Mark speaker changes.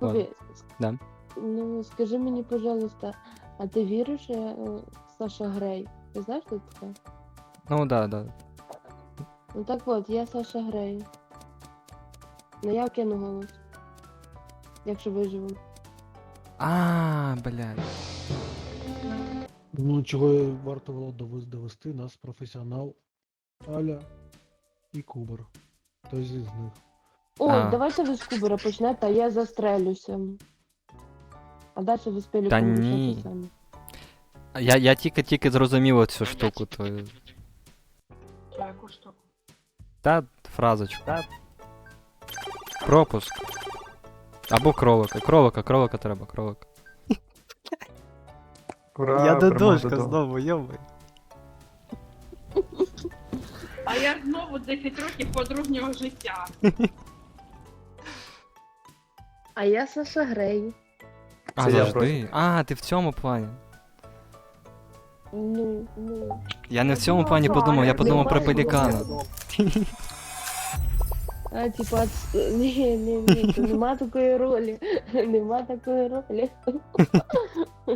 Speaker 1: Ладно.
Speaker 2: Кубі,
Speaker 1: Да.
Speaker 2: ну скажи мені, пожалуйста, а ти віриш Саша Грей? Ти знаєш, хто це таке?
Speaker 1: Ну да.
Speaker 2: Ну так от, я Саша Грей. Ну я вкину голос. Якщо виживу.
Speaker 1: Блядь.
Speaker 3: Ну, чого й варто було довести нас професіонал Аля і Кубер. Хтось із них.
Speaker 2: О,
Speaker 1: А.
Speaker 2: давайте ви з Кубера почнете, а я застрелюся. А далі ви з Пеліком
Speaker 1: Та
Speaker 2: рішайте
Speaker 1: ні.
Speaker 2: самі.
Speaker 1: Я тільки зрозумів цю штуку твою.
Speaker 4: Яку штуку?
Speaker 1: Та фразочку. Пропуск. Або кролика. Кролика треба, кролика.
Speaker 5: Ура,
Speaker 1: Я
Speaker 5: перемога
Speaker 1: додошка
Speaker 5: Додо.
Speaker 1: знову, йомай.
Speaker 4: А я знову 10 років подружнього життя.
Speaker 2: А я Саша Грей.
Speaker 5: Це я
Speaker 1: Завжди. Ти в цьому плані.
Speaker 2: Ну.
Speaker 1: Я не в цьому плані подумав, я подумав про пелікана.
Speaker 2: А, типа, ні, то нема такої ролі. Нема такої ролі.